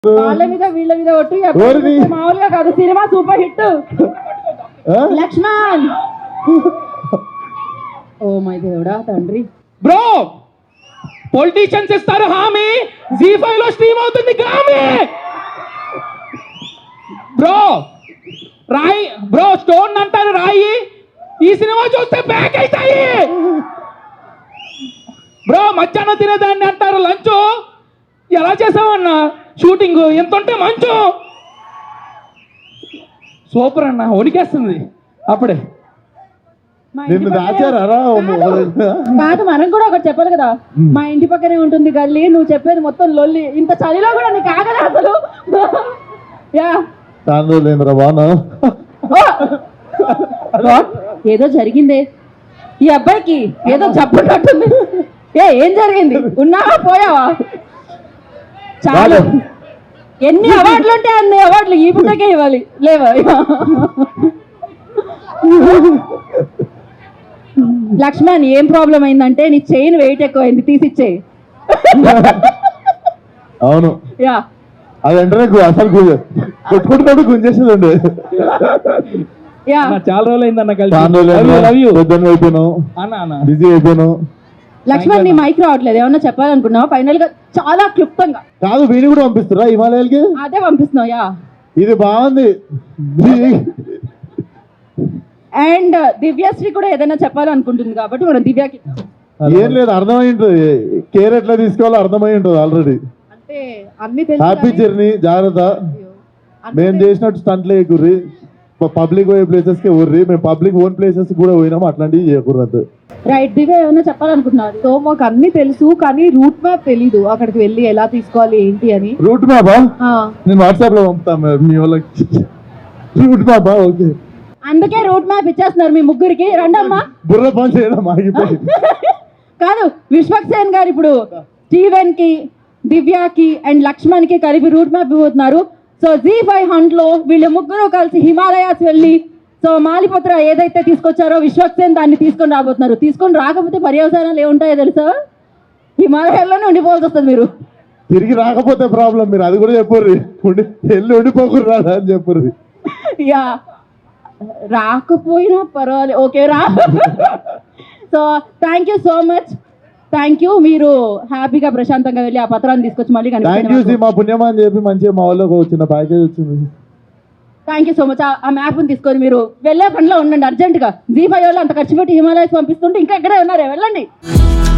వాళ్ళ మీద వీళ్ళ మీద ఒట్టు మామూలుగా కాదు, cinema super hit. Lakshman, oh my దేవుడా తండ్రి. బ్రో పొలిటీషియన్స్ ఇస్తారు హామీ, జీ5 లో స్ట్రీమ్ అవుతుంది గ్రామీ. బ్రో రాయి, బ్రో స్టోన్ అంటారు రాయి, ఈ సినిమా చూస్తే బ్యాక్ అవుతాయి. బ్రో మధ్యాహ్నం తినేదాన్ని అంటారు లంచ్, ఎలా చేసావన్నా షూటింగ్ ఎంత ఉంటే మంచు. సూపర్ అన్న, వణికేస్తుంది అప్పుడే. కాదు మనం కూడా ఒకటి చెప్పాలి కదా, మా ఇంటి పక్కనే ఉంటుంది గల్లీ, నువ్వు చెప్పేది మొత్తం లొల్లి, ఇంత చలిలో కూడా నీకు ఆగదు అసలు. ఏదో జరిగిందే ఈ అబ్బాయికి, ఏదో జబ్బున్నట్టుంది. ఏం జరిగింది, ఉన్నావా పోయావా? చాలు, ఎన్ని అవార్డులు ఉంటే అన్ని అవార్డులు ఈ పుట్టకే ఇవ్వాలి లేవా? లక్ష్మణ్, ఏం ప్రాబ్లం అయిందంటే నీ చైన్ వెయిట్ ఎక్కువైంది, తీసిచ్చేయి. అవును, యా అదంటే అసలు కొట్టుకుంటున్నాడు, గుంజేసేదండి. చాలా రోజులు అయిందన్న, బిజీ అయిపోయాను. లక్ష్మణ్, నీ మైక్ రావట్లేదు, ఏమన్నా చెప్పాలనుకున్నావా ఫైనల్ గా? చాలా క్లుప్తంగా కాదు, వీడిని కూడా పంపిస్తారా హిమాలయాలకి? అదే పంపిస్తున్నావు. యా, ఇది బాగుంది. అండ్ దివ్యశ్రీ కూడా ఏదైనా చెప్పాలనుకుంటుంది కాబట్టి మనం దివ్యకి. ఏం లేదు, అర్థమై ఉంటుంది, కేర్ ఎట్లా తీసుకోవాలో అర్థమై ఉంటుంది ఆల్రెడీ. అంటే అన్ని తెలుసు. హ్యాపీ జర్నీ, జాగ్రత్త. మేము చేసినట్టు స్టంట్లే ఎక్కుర్రి, పబ్లిక్ పోయే ప్లేసెస్ కి ఊర్రి, మేము పబ్లిక్ ఓన్ ప్లేసెస్ కూడా పోయినాము, అట్లాంటివి చేయకూడదు. రైట్, దివ్య ఏమైనా చెప్పాలనుకుంటున్నారు? సో మాకు అన్ని తెలుసు, కానీ రూట్ మ్యాప్ తెలీదు, అక్కడికి వెళ్ళి ఎలా తీసుకోవాలి ఏంటి అని. రూట్ మ్యాపా? నేను వాట్సాప్ లో పంపుతాను మీ వాళ్ళకి. రూట్ మ్యాపా? ఓకే, అందుకే రూట్ మ్యాప్ ఇచ్చేస్తున్నారు మీ ముగ్గురికి. రండమ్మా, బుర్ర పని చేయడం ఆగిపోయింది. కాదు, విశ్వక్సేన్ గారు ఇప్పుడు స్టీవెన్ కి, దివ్యకి అండ్ లక్ష్మణ్ కి కలిపి రూట్ మ్యాప్ ఇవ్వబోతున్నారు. సో జీ5 హంట్ లో వీళ్ళు ముగ్గురు కలిసి హిమాలయాస్ వెళ్ళి, సో మాలిపత్ర ఏదైతే తీసుకొచ్చారో విశ్వక్సేన్ దాన్ని తీసుకొని రాబోతున్నారు. తీసుకొని రాకపోతే పర్యవసానాలు ఏముంటాయో తెలుసా? హిమాలయాల్లోనే ఉండిపోవాల్సి వస్తుంది మీరు. తిరిగి రాకపోతే ప్రాబ్లం, మీరు అది కూడా చెప్పుర్రి, వెళ్ళి ఉండిపోకూడదు రాదా అని చెప్పుర్రి. యా, రాకపోయినా పర్వాలేదు, ఓకే రా. So thank you so much, thank you. మీరు హ్యాపీగా ప్రశాంతంగా వెళ్ళి ఆ పత్రాన్ని తీసుకొచ్చి మళ్ళీ కనిపించండి. మా పుణ్యమా అని చెప్పి మంచిగా మా వాళ్ళకి వచ్చిన ప్యాకేజ్ వచ్చింది. Thank you so much. ఆ మ్యాప్ని తీసుకొని మీరు వెళ్ళే పనిలో ఉండండి అర్జెంటుగా. జీ5 వాళ్ళు అంత ఖర్చు పెట్టి హిమాలయాస్ పంపిస్తుంటే ఇంకా ఎక్కడే ఉన్నారే, వెళ్ళండి.